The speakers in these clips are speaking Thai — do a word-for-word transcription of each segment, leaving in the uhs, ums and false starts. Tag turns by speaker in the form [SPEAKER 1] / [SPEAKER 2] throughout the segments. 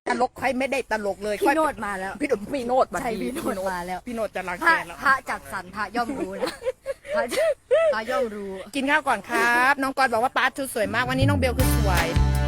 [SPEAKER 1] ตลกใครไม่ได้ตลกเลย
[SPEAKER 2] พี่โนดมาแล้ว
[SPEAKER 1] พี่โนดพี่โนด
[SPEAKER 2] ใช่พี่โนดมาแล้ว
[SPEAKER 1] พี่โนดจะรัง
[SPEAKER 2] พระ
[SPEAKER 1] แกแล้ว
[SPEAKER 2] พระจัดสรรพระย่อมรู้นะพระพระย่อมรู้
[SPEAKER 1] กินข้าวก่อนครับ น้องกรบอกว่าป้าชุดสวยมากวันนี้น้องเบลคือสวย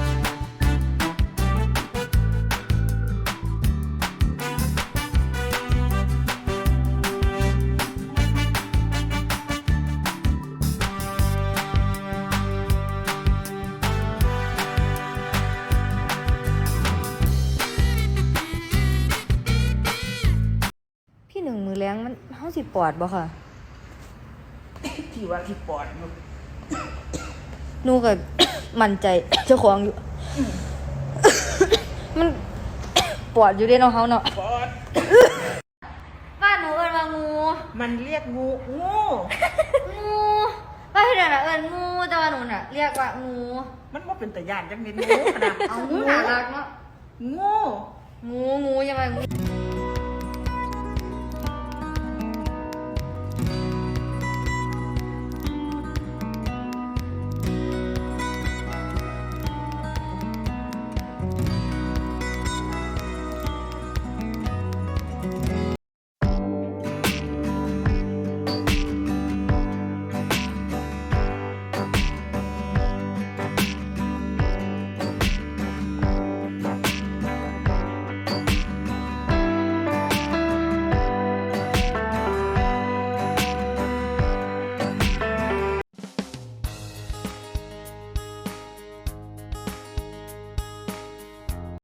[SPEAKER 2] พี่หนึ่งมือแรงมันห้าสิบปอดบ่ค่ะ
[SPEAKER 1] ที่ว่าที่ปอดมัน
[SPEAKER 2] หนูกับ มั่นใจ เจ้าของอยู่ มัน ปอดอยู่เด้เนาะเฮาเนาะ
[SPEAKER 1] ปอด
[SPEAKER 2] บ้านหนูเอิ้นว่างู
[SPEAKER 1] มันเรียกงูงู
[SPEAKER 2] งูบ้านพี่เดินน่ะเอิ้นงูแต่ว่าหนูน่ะเรียกว่างู
[SPEAKER 1] มันว่าเป็นตะยานจังเป็นงูขนาด
[SPEAKER 2] เอางูน่ารักเนาะ
[SPEAKER 1] งู
[SPEAKER 2] งูงูยังไงงู